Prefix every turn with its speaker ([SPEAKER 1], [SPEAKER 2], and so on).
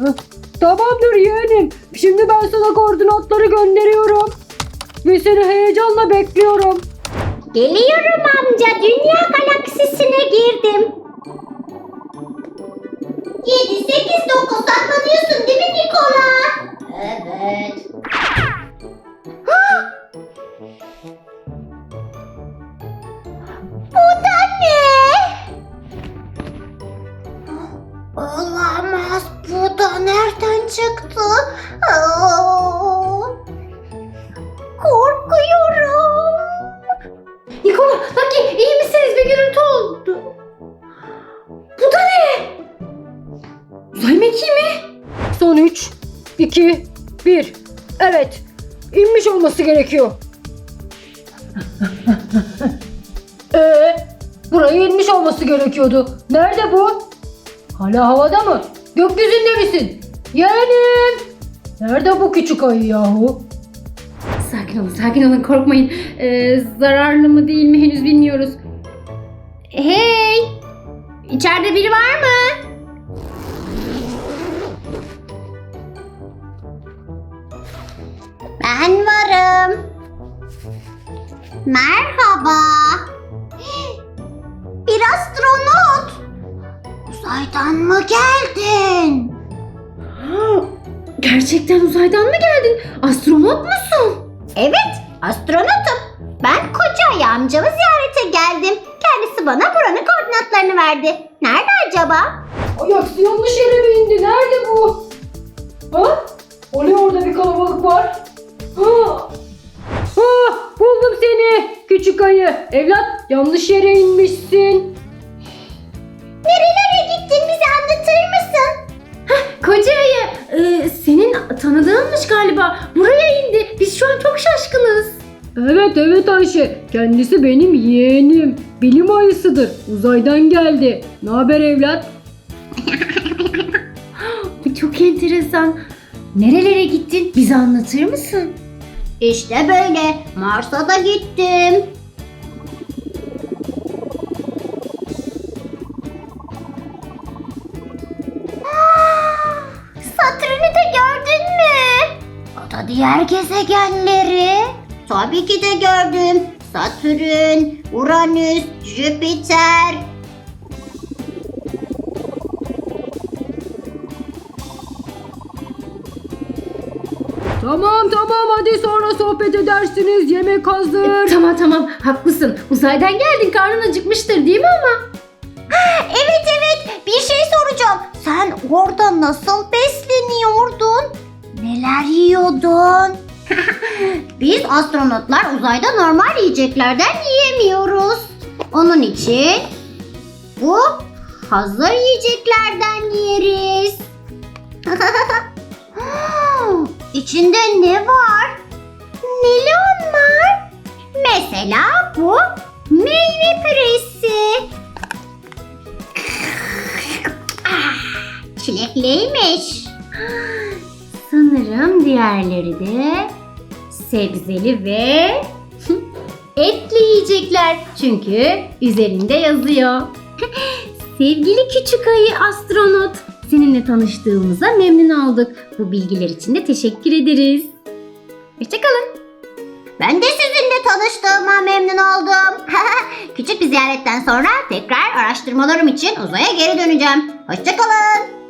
[SPEAKER 1] Tamamdır yeğenim. Şimdi ben sana koordinatları gönderiyorum. Ve seni heyecanla bekliyorum.
[SPEAKER 2] Geliyorum amca. Dünya galaksisine girdim. 7, 8, 9 saklanıyorsun değil mi Nikola? Evet. Bu da ne? Olamaz. Bu da nereden çıktı? Korkuyorum. Nikola, Lucky iyi misiniz? Bir gürültü oldu. Bu da ne? Uzay mekiği mi?
[SPEAKER 1] Son 3, 2, 1. Evet. İnmiş olması gerekiyor. Buraya inmiş olması gerekiyordu. Nerede bu? Hala havada mı? Gökyüzünde misin? Yeğenim. Nerede bu küçük ayı yahu?
[SPEAKER 2] Sakin olun, korkmayın. Zararlı mı değil mi henüz bilmiyoruz. Hey! İçeride biri var mı? Ben varım. Merhaba. Bir astronot. Uzaydan mı geldin? Gerçekten uzaydan mı geldin? Astronot musun? Evet, astronotum. Ben koca ayı amcamı ziyarete geldim. Kendisi bana buranın koordinatlarını verdi. Nerede acaba?
[SPEAKER 1] Ay aksi yanlış yere mi indi? Nerede bu? Ha? O ne orada bir kalabalık var? Ha? Ha, buldum seni küçük ayı. Evlat yanlış yere inmişsin.
[SPEAKER 2] Nerelere gittin, bize anlatır mısın? Koca ayı, senin tanıdığınmış galiba. Buraya indi. Biz şu an çok şaşkınız.
[SPEAKER 1] Evet Ayşe. Kendisi benim yeğenim. Bilim ayısıdır. Uzaydan geldi. Ne haber evlat?
[SPEAKER 2] Bu çok enteresan. Nerelere gittin? Bize anlatır mısın? İşte böyle. Mars'a da gittim. Satürn'ü de gördün mü? O da diğer gezegenleri. Tabii ki de gördüm. Satürn, Uranüs, Jüpiter.
[SPEAKER 1] Tamam hadi sonra sohbet edersiniz. Yemek hazır.
[SPEAKER 2] Tamam haklısın. Uzaydan geldin, karnın acıkmıştır değil mi ama? Evet bir şey soracağım. Sen orada nasıl besleniyordun? Neler yiyordun? Biz astronotlar uzayda normal yiyeceklerden yiyemiyoruz. Onun için bu hazır yiyeceklerden yeriz. İçinde ne var? Neli onlar? Mesela bu meyve püresi. Çilekliymiş. Sanırım diğerleri de sebzeli ve etli yiyecekler. Çünkü üzerinde yazıyor. Sevgili küçük ayı astronot, seninle tanıştığımıza memnun olduk. Bu bilgiler için de teşekkür ederiz. Hoşçakalın. Ben de sizinle tanıştığıma memnun oldum. Küçük bir ziyaretten sonra tekrar araştırmalarım için uzaya geri döneceğim. Hoşçakalın.